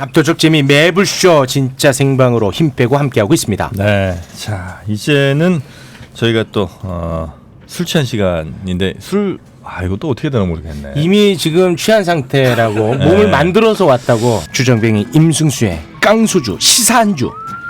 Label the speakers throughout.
Speaker 1: 압도적 재미 매불쇼 진짜 생방으로 힘 빼고 함께하고 있습니다.
Speaker 2: 네, 자 이제는 저희가 또 술 취한 시간인데 이것도 어떻게 되나 모르겠네.
Speaker 1: 이미 지금 취한 상태라고
Speaker 2: 네.
Speaker 1: 몸을 만들어서 왔다고 주정뱅이 임승수의 깡소주 시사한주.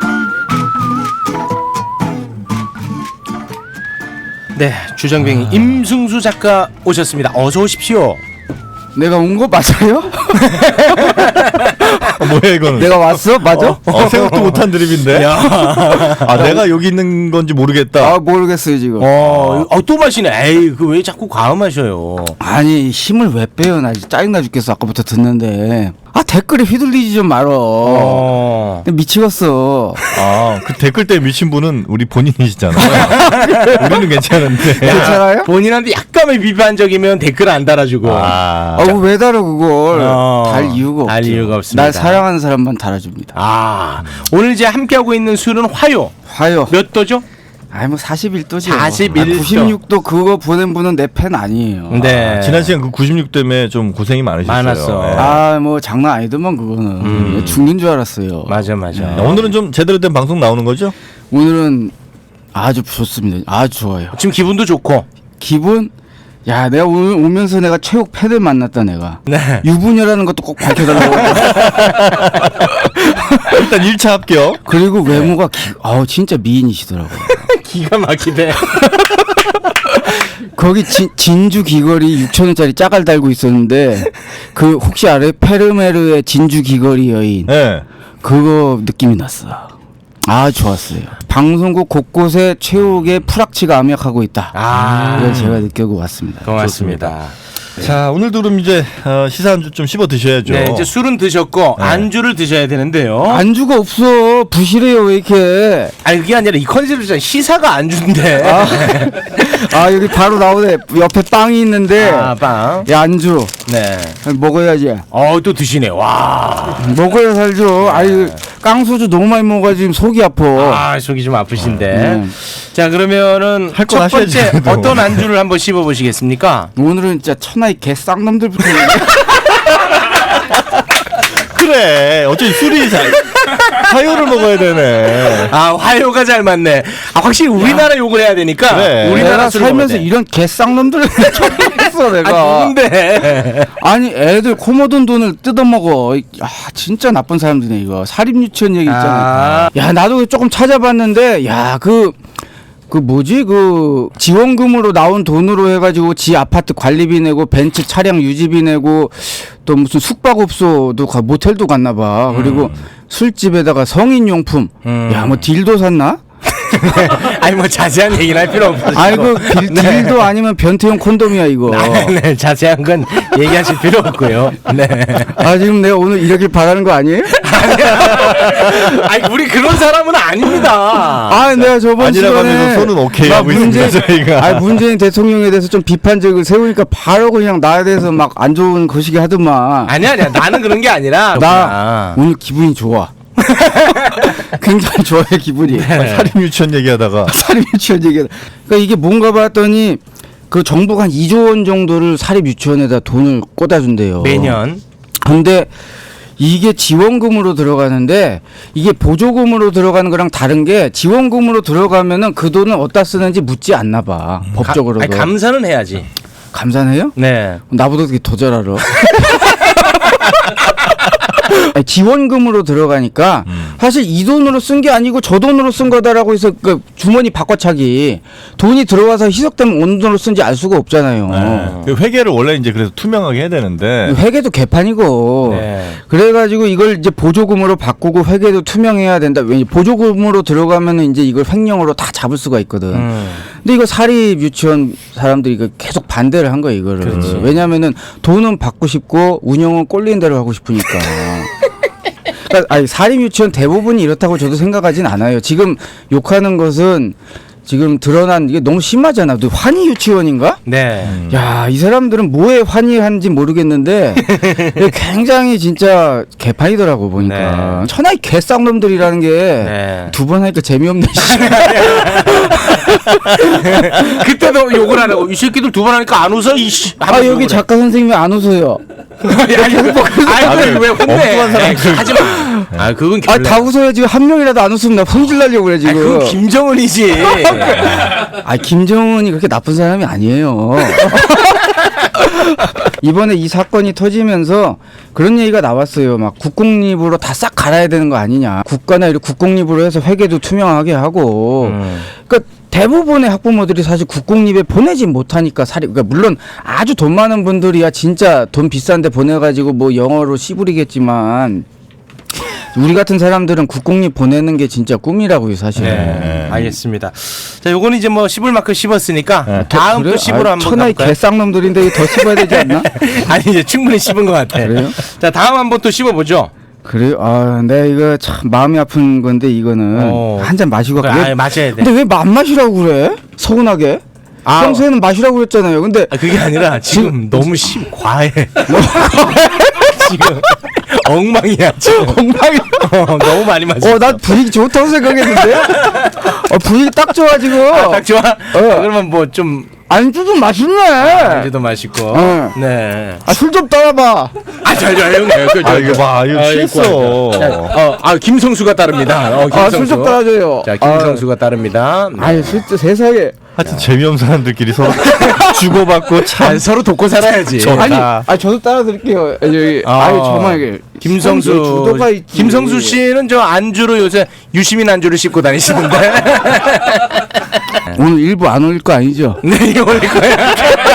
Speaker 1: 네, 주정뱅이 임승수 작가 오셨습니다. 어서 오십시오.
Speaker 3: 내가 온 거 맞아요?
Speaker 2: 뭐야 이거는?
Speaker 3: 내가 왔어? 맞아?
Speaker 2: 생각도 못한 드립인데. 내가 여기 있는 건지 모르겠다.
Speaker 3: 모르겠어요 지금.
Speaker 1: 또 마시네. 에이, 그 왜 자꾸 과음하셔요?
Speaker 3: 아니 힘을 왜 빼요? 나 짜증나 죽겠어. 아까부터 듣는데. 댓글에 휘둘리지 좀 말어. 미치겠어.
Speaker 2: 그 댓글 때문에 미친 분은 우리 본인이시잖아요. 우리는 괜찮은데.
Speaker 3: 괜찮아요?
Speaker 1: 본인한테 약간의 비판적이면 댓글 안 달아주고.
Speaker 3: 왜 달아 그걸? 달 이유가 없죠.
Speaker 1: 달 이유가 없습니다.
Speaker 3: 날 사랑하는 사람만 달아줍니다.
Speaker 1: 오늘 이제 함께하고 있는 술은 화요.
Speaker 3: 화요.
Speaker 1: 몇 도죠?
Speaker 3: 41도죠.
Speaker 1: 41도.
Speaker 3: 96도 그거 보낸 분은 내 팬 아니에요.
Speaker 1: 네.
Speaker 2: 지난 시간 그 96 때문에 좀 고생이 많으셨어요.
Speaker 1: 많았어.
Speaker 2: 네.
Speaker 3: 뭐 장난 아니더만 그거는. 죽는 줄 알았어요.
Speaker 1: 맞아.
Speaker 2: 오늘은 좀 제대로 된 방송 나오는 거죠?
Speaker 3: 오늘은 아주 좋습니다. 아주 좋아요.
Speaker 1: 지금 기분도 좋고.
Speaker 3: 기분? 야, 내가 오늘 오면서 내가 최욱 팬을 만났다 내가.
Speaker 1: 네.
Speaker 3: 유부녀라는 것도 꼭 밝혀달라고.
Speaker 2: 일단 1차 합격.
Speaker 3: 그리고 외모가 진짜 미인이시더라고요.
Speaker 1: 기가 막히대.
Speaker 3: 거기 진주 귀걸이 6,000원짜리 짜갈 달고 있었는데 그 혹시 알아요? 페르메르의 진주 귀걸이 여인.
Speaker 2: 네.
Speaker 3: 그거 느낌이 났어. 좋았어요. 방송국 곳곳에 최욱의 프락치가 암약하고 있다. 그걸 제가 느끼고 왔습니다.
Speaker 1: 고맙습니다.
Speaker 2: 자, 오늘도 그럼 이제 시사 한 주 좀 씹어 드셔야죠.
Speaker 1: 네, 이제 술은 드셨고
Speaker 2: 네.
Speaker 1: 안주를 드셔야 되는데요.
Speaker 3: 안주가 없어. 부실해요 왜 이렇게.
Speaker 1: 그게 아니라 이 컨셉이잖아. 시사가 안주인데.
Speaker 3: 여기 바로 나오네. 옆에 빵이 있는데.
Speaker 1: 빵.
Speaker 3: 야, 안주.
Speaker 1: 네.
Speaker 3: 먹어야지.
Speaker 1: 또 드시네. 와.
Speaker 3: 먹어야 살죠. 깡소주 너무 많이 먹어가지고 지금 속이 아파.
Speaker 1: 속이 좀 아프신데. 자, 그러면은
Speaker 2: 할
Speaker 1: 첫
Speaker 2: 건 하셔야지,
Speaker 1: 번째
Speaker 2: 그래도.
Speaker 1: 어떤 안주를 한번 씹어 보시겠습니까?
Speaker 3: 오늘은 진짜 천하의 개 쌍놈들부터.
Speaker 2: 그래. 어차피 술이 화요를 먹어야 되네.
Speaker 1: 화요가 잘 맞네. 확실히 우리나라 욕을 해야 되니까.
Speaker 2: 그래.
Speaker 1: 우리나라
Speaker 3: 내가
Speaker 1: 술을
Speaker 3: 살면서
Speaker 1: 먹어야 돼.
Speaker 3: 이런 개 쌍놈들을 처음 봤어 내가.
Speaker 1: 누군데?
Speaker 3: 애들 코 묻은 돈을 뜯어먹어. 진짜 나쁜 사람들이네 이거. 사립유치원 얘기 있잖아. 야, 나도 조금 찾아봤는데 그 뭐지? 그 지원금으로 나온 돈으로 해가지고 지 아파트 관리비 내고 벤츠 차량 유지비 내고 또 무슨 숙박업소도 모텔도 갔나 봐. 그리고 술집에다가 성인용품. 야, 뭐 딜도 샀나?
Speaker 1: 뭐 자세한 얘기는 할 필요 없어.
Speaker 3: 딜도 아니면 변태용 콘돔이야 이거.
Speaker 1: 네, 자세한 건 얘기하실 필요 없고요. 네.
Speaker 3: 지금 내가 오늘 이러길 바라는 거 아니에요?
Speaker 1: 우리 그런 사람은 아닙니다.
Speaker 3: 내가 저번
Speaker 2: 아니라고
Speaker 3: 시간에
Speaker 2: 하면서 손은 오케이 하고 있습니다 저희가.
Speaker 3: 문재인 대통령에 대해서 좀 비판적을 세우니까 바로 그냥 나에 대해서 막 안 좋은 거시기 하더만.
Speaker 1: 아니야. 나는 그런 게 아니라.
Speaker 3: 나 오늘 기분이 좋아. 굉장히 좋아요 기분이.
Speaker 2: 사립 유치원 얘기하다가
Speaker 3: 사립유치원 얘기. 그러니까 이게 뭔가 봤더니 그 정부가 한 2조 원 정도를 사립유치원에다 돈을 꽂아준대요.
Speaker 1: 매년.
Speaker 3: 근데 이게 지원금으로 들어가는데 이게 보조금으로 들어가는 거랑 다른 게 지원금으로 들어가면은 그 돈을 어디다 쓰는지 묻지 않나 봐. 법적으로도.
Speaker 1: 감사는 해야지.
Speaker 3: 감사해요?
Speaker 1: 네.
Speaker 3: 나보다 되게 더 잘 알아. 지원금으로 들어가니까 사실 이 돈으로 쓴 게 아니고 저 돈으로 쓴 거다라고 해서 그 주머니 바꿔차기 돈이 들어와서 희석되면 어느 돈으로 쓴지 알 수가 없잖아요.
Speaker 2: 그 회계를 원래 이제 그래서 투명하게 해야 되는데
Speaker 3: 회계도 개판이고.
Speaker 1: 네.
Speaker 3: 그래가지고 이걸 이제 보조금으로 바꾸고 회계도 투명해야 된다. 왜냐 보조금으로 들어가면은 이제 이걸 횡령으로 다 잡을 수가 있거든. 근데 이거 사립 유치원 사람들이 이거 계속 반대를 한 거야 이거를.
Speaker 1: 그렇지.
Speaker 3: 왜냐면은 돈은 받고 싶고 운영은 꼴리는 대로 하고 싶으니까. 그러니까 사립 유치원 대부분이 이렇다고 저도 생각하진 않아요. 지금 욕하는 것은 지금 드러난 이게 너무 심하잖아. 너 환희 유치원인가?
Speaker 1: 네.
Speaker 3: 야, 이 사람들은 뭐에 환희한지 모르겠는데 굉장히 진짜 개판이더라고 보니까.
Speaker 1: 네.
Speaker 3: 천하의 개쌍놈들이라는 게 두 번
Speaker 1: 네.
Speaker 3: 하니까 재미없네.
Speaker 1: 그때도 욕을 하라고. 이 새끼들 두 번 하니까 안 웃어. 이씨.
Speaker 3: 여기 작가 선생님이 안 웃어요.
Speaker 1: 왜 혼내?
Speaker 2: 엉뚱한 사람들.
Speaker 1: 하지 마. 아 그건
Speaker 3: 아 다 웃어요 지금 한 명이라도 안 웃으면 나 성질 날려고 그래 지금.
Speaker 1: 그건 김정은이지.
Speaker 3: 아 김정은이 그렇게 나쁜 사람이 아니에요. 이번에 이 사건이 터지면서 그런 얘기가 나왔어요. 막 국공립으로 다 싹 갈아야 되는 거 아니냐. 국가나 이런 국공립으로 해서 회계도 투명하게 하고. 그러니까 대부분의 학부모들이 사실 국공립에 보내지 못하니까 그러니까 물론 아주 돈 많은 분들이야 진짜 돈 비싼데 보내가지고 뭐 영어로 씨부리겠지만. 우리 같은 사람들은 국공립 보내는 게 진짜 꿈이라고요, 사실.
Speaker 1: 네, 알겠습니다. 자, 요거는 이제 뭐 씹을 만큼 씹었으니까
Speaker 2: 네.
Speaker 1: 다음
Speaker 3: 그래요?
Speaker 1: 또 씹으러 한번
Speaker 3: 천하의
Speaker 1: 가볼까요?
Speaker 3: 개쌍놈들인데 더 씹어야 되지 않나?
Speaker 1: 아니 이제 충분히 씹은 것 같아.
Speaker 3: 그래요?
Speaker 1: 자, 다음 한번 또 씹어보죠.
Speaker 3: 그래요? 아, 내가 이거 참 마음이 아픈 건데 이거는 한 잔 마시고
Speaker 1: 그래,
Speaker 3: 갈게요.
Speaker 1: 마셔야 돼.
Speaker 3: 근데 왜 안 마시라고 그래? 서운하게?
Speaker 1: 아.
Speaker 3: 평소에는 마시라고 그랬잖아요. 근데
Speaker 1: 아, 그게 아니라 지금 너무 과해. 지금 엉망이야. 지금
Speaker 3: 엉망이.
Speaker 1: 너무 많이 마셨어.
Speaker 3: 난 분위기 좋다고 생각했는데. 분위기 딱 좋아 지금.
Speaker 1: 딱 좋아? 그러면 뭐 좀
Speaker 3: 안주 좀 맛있네.
Speaker 1: 안주도 맛있고.
Speaker 3: 어.
Speaker 1: 네.
Speaker 3: 술 좀 따라봐.
Speaker 1: 잘
Speaker 2: 아 이거 봐 이거 취했어.
Speaker 1: 김성수가 따릅니다.
Speaker 3: 술 좀 따라줘요.
Speaker 1: 자, 김성수가 따릅니다. 네.
Speaker 3: 아니 진짜 세상에.
Speaker 2: 하여튼 재미없는 사람들끼리 서로 주고받고 참
Speaker 1: 서로 돕고 살아야지.
Speaker 2: 좋다.
Speaker 3: 아니 저도 따라드릴게요. 여기. 정말 이게
Speaker 1: 김성수
Speaker 3: 주도가 있지.
Speaker 1: 김성수 씨는 저 안주로 요새 유시민 안주를 씹고 다니시는데.
Speaker 3: 오늘 일부 안 올릴 거 아니죠?
Speaker 1: 네, 이거 올릴 거야.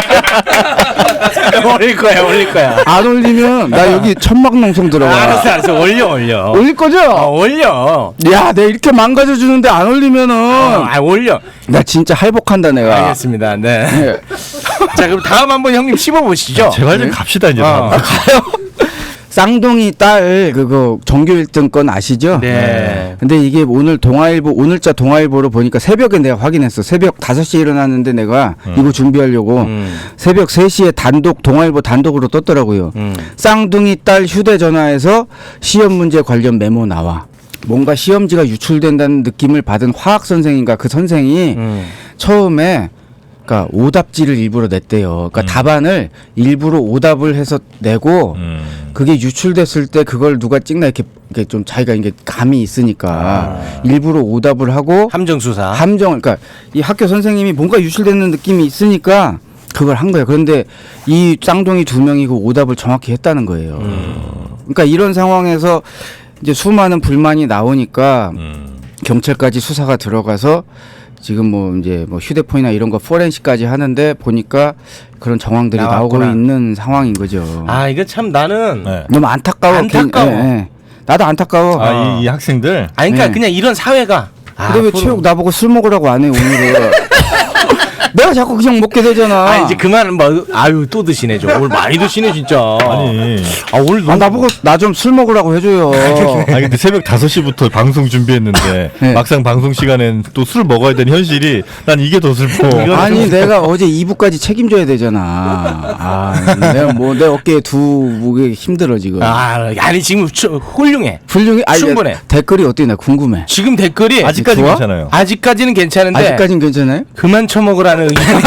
Speaker 1: 올릴 거야.
Speaker 3: 안 올리면 나 여기 천막농성 들어가.
Speaker 1: 알았어. 올려.
Speaker 3: 올릴 거죠?
Speaker 1: 올려.
Speaker 3: 야, 내가 이렇게 망가져 주는데 안 올리면은
Speaker 1: 올려.
Speaker 3: 나 진짜 할복한다 내가.
Speaker 1: 알겠습니다. 네.
Speaker 3: 네.
Speaker 1: 자, 그럼 다음 한번 형님 씹어보시죠.
Speaker 2: 제발 좀 갑시다 이제.
Speaker 3: 가요. 쌍둥이 딸 그거 전교 1등 건 아시죠?
Speaker 1: 네.
Speaker 3: 근데 이게 오늘 오늘자 동아일보로 보니까 새벽에 내가 확인했어. 새벽 5시에 일어났는데 내가 이거 준비하려고 새벽 3시에 동아일보 단독으로 떴더라고요. 쌍둥이 딸 휴대전화에서 시험 문제 관련 메모 나와. 뭔가 시험지가 유출된다는 느낌을 받은 화학 선생인가 그 선생이 처음에 그러니까 오답지를 일부러 냈대요. 그러니까 답안을 일부러 오답을 해서 내고 그게 유출됐을 때 그걸 누가 찍나 이렇게 좀 자기가 이게 감이 있으니까 일부러 오답을 하고
Speaker 1: 함정 수사.
Speaker 3: 그러니까 이 학교 선생님이 뭔가 유출되는 느낌이 있으니까 그걸 한 거예요. 그런데 이 쌍둥이 2명이 그 오답을 정확히 했다는 거예요. 그러니까 이런 상황에서 이제 수많은 불만이 나오니까 경찰까지 수사가 들어가서 지금 뭐 이제 뭐 휴대폰이나 이런 거 포렌식까지 하는데 보니까 그런 정황들이
Speaker 1: 나왔구나.
Speaker 3: 나오고 있는 상황인 거죠.
Speaker 1: 이거 참 나는
Speaker 2: 네.
Speaker 3: 너무 안타까워.
Speaker 1: 안타까워.
Speaker 3: 나도 안타까워.
Speaker 2: 이 학생들.
Speaker 1: 그러니까
Speaker 3: 네.
Speaker 1: 그냥 이런 사회가.
Speaker 3: 근데 왜 체육 나보고 술 먹으라고 안 해 오늘은? 내가 자꾸 그냥 먹게 되잖아.
Speaker 1: 이제 그만 또 드시네 좀. 오늘 많이 드시네 진짜.
Speaker 2: 아니.
Speaker 1: 오늘
Speaker 3: 나보고 나 좀 술 먹으라고 해줘요.
Speaker 2: 근데 새벽 5시부터 방송 준비했는데
Speaker 3: 네.
Speaker 2: 막상 방송 시간엔 또 술 먹어야 되는 현실이 난 이게 더 슬퍼.
Speaker 3: 아니 내가 어제 2부까지 책임져야 되잖아. 내가 뭐 내 어깨에 두 무게 힘들어 지금.
Speaker 1: 아니 지금 훌륭해.
Speaker 3: 훌륭해.
Speaker 1: 충분해.
Speaker 3: 댓글이 어때? 나 궁금해.
Speaker 1: 지금 댓글이
Speaker 2: 아직까지
Speaker 3: 좋아?
Speaker 2: 괜찮아요.
Speaker 1: 아직까지는 괜찮은데
Speaker 3: 아직까진 괜찮아요?
Speaker 1: 그만 처먹으라는 의견이.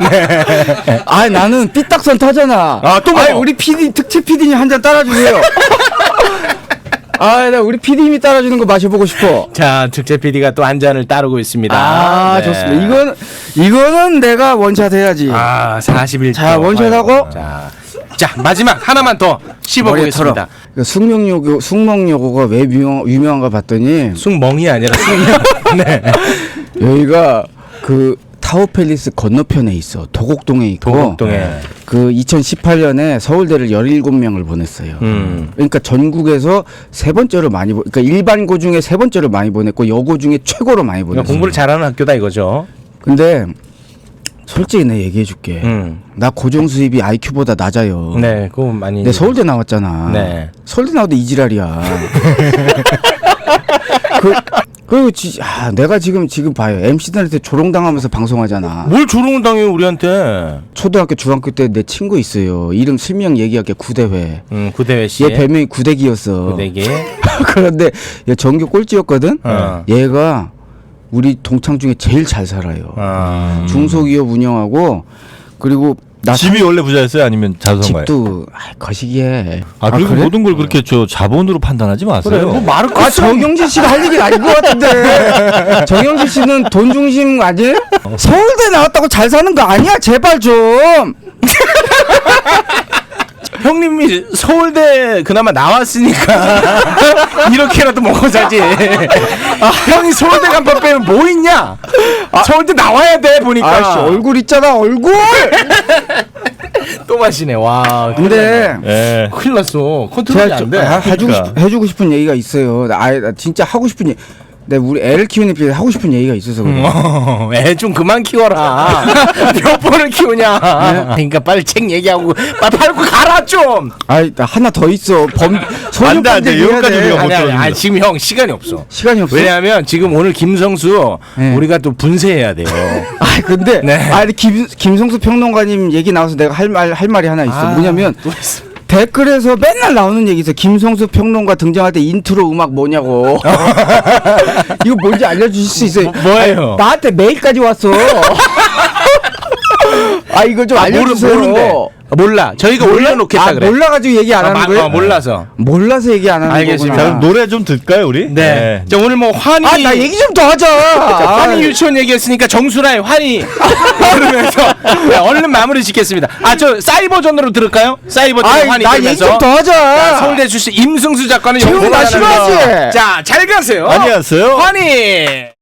Speaker 3: 나는 삐딱선 타잖아.
Speaker 1: 또 먹어.
Speaker 3: 우리 PD 특채 PD님 한 잔 따라주세요. 나 우리 PD님이 따라주는 거 마셔보고 싶어.
Speaker 1: 자, 특채 PD가 또 한 잔을 따르고 있습니다. 네.
Speaker 3: 좋습니다. 이거는 내가 원샷 해야지.
Speaker 1: 41초.
Speaker 3: 자, 원샷하고.
Speaker 1: 자, 마지막 하나만 더 씹어보겠습니다.
Speaker 3: 숙명여고가 왜 유명한가 봤더니
Speaker 1: 숙멍이 아니라 숙명. 네.
Speaker 3: 여기가 그 타워팰리스 건너편에 있어. 도곡동에 있고.
Speaker 1: 도곡동에.
Speaker 3: 그 2018년에 서울대를 17명을 보냈어요. 그러니까 전국에서 세 번째로 많이 그러니까 일반고 중에 세 번째로 많이 보냈고 여고 중에 최고로 많이 보냈어요.
Speaker 1: 공부를 잘하는 학교다 이거죠.
Speaker 3: 근데 솔직히 내 얘기해 줄게. 나 고정 수입이 IQ보다 낮아요.
Speaker 1: 네, 그거 많이.
Speaker 3: 내 서울대 나왔잖아.
Speaker 1: 네.
Speaker 3: 서울대 나와도 이지랄이야. 내가 지금 봐요. MC들한테 조롱당하면서 방송하잖아.
Speaker 1: 뭘 조롱을 당해요 우리한테?
Speaker 3: 초등학교, 중학교 때 내 친구 있어요. 이름 실명 얘기할게. 구대회.
Speaker 1: 구대회 씨.
Speaker 3: 얘 별명이 구대기였어.
Speaker 1: 구대기.
Speaker 3: 그런데 얘 전교 꼴찌였거든.
Speaker 1: 어.
Speaker 3: 얘가 우리 동창 중에 제일 잘 살아요. 중소기업 운영하고 그리고 나
Speaker 2: 집이 원래 부자였어요? 아니면 자수성가요?
Speaker 3: 집도 거시기에.
Speaker 2: 아 그리고
Speaker 3: 그래?
Speaker 2: 모든 걸 그렇게 저 자본으로 판단하지 마세요.
Speaker 1: 그래, 뭐 마르크스
Speaker 3: 정영진 씨가 할 얘기는 아닌 것 같은데. 정영진 씨는 돈 중심 아니에요? 서울대 나왔다고 잘 사는 거 아니야? 제발 좀.
Speaker 1: 형님이 서울대 그나마 나왔으니까 이렇게라도 먹어 자지. 형이 서울대 간판 빼면 뭐 있냐? 서울대 나와야 돼 보니까.
Speaker 3: 아씨 얼굴 있잖아 얼굴.
Speaker 1: 또 마시네. 와.
Speaker 3: 근데
Speaker 2: 예.
Speaker 1: 큰일 났어. 컨트롤이
Speaker 3: 제가
Speaker 1: 안
Speaker 3: 좀
Speaker 1: 돼.
Speaker 3: 해주고 싶은 얘기가 있어요. 나 진짜 하고 싶은 얘기. 내가 우리 애를 키우는 입장에서 하고 싶은 얘기가 있어서 그래.
Speaker 1: 애 좀 그만 키워라. 몇 번을 키우냐. 그러니까 빨리 책 얘기하고 빨리 팔고 가라 좀.
Speaker 3: 나 하나 더 있어.
Speaker 2: 안 돼, 안 돼. 여기까지 우리가 못
Speaker 1: 아니,
Speaker 2: 들어줍니다.
Speaker 1: 지금 형 시간이 없어.
Speaker 3: 시간이 없어.
Speaker 1: 왜냐하면 지금 오늘 김성수
Speaker 3: 네.
Speaker 1: 우리가 또 분쇄해야 돼요.
Speaker 3: 근데
Speaker 1: 네.
Speaker 3: 근데 김성수 평론가님 얘기 나와서 내가 할 말이 하나 있어. 뭐냐면
Speaker 1: 또 있어.
Speaker 3: 댓글에서 맨날 나오는 얘기 있어. 김성수 평론가 등장할 때 인트로 음악 뭐냐고. 이거 뭔지 알려주실 수 있어요?
Speaker 1: 뭐예요?
Speaker 3: 나한테 메일까지 왔어. 이거 좀 알려주세요.
Speaker 1: 모른대. 몰라. 저희가 올려놓겠다 그래.
Speaker 3: 몰라가지고 얘기 안 하는 거예요?
Speaker 1: 몰라서.
Speaker 3: 몰라서 얘기 안 하는
Speaker 1: 알겠습니다.
Speaker 2: 자,
Speaker 3: 거구나.
Speaker 2: 그럼 노래 좀 들까요, 우리?
Speaker 1: 네. 자, 오늘 뭐 환희.
Speaker 3: 나 얘기 좀 더 하자.
Speaker 1: 환희 유치원 얘기했으니까 정수라의 환희 그러면서 네, 얼른 마무리 짓겠습니다. 저 사이버전으로 들을까요? 사이버전 환희
Speaker 3: 나 얘기
Speaker 1: 들으면서.
Speaker 3: 좀 더 하자.
Speaker 1: 자, 서울대 출신 임승수 작가는
Speaker 3: 채용
Speaker 1: 영어로
Speaker 3: 나
Speaker 1: 하는 거.
Speaker 3: 싫어하지?
Speaker 1: 자, 잘 가세요.
Speaker 2: 안녕하세요.
Speaker 1: 환희.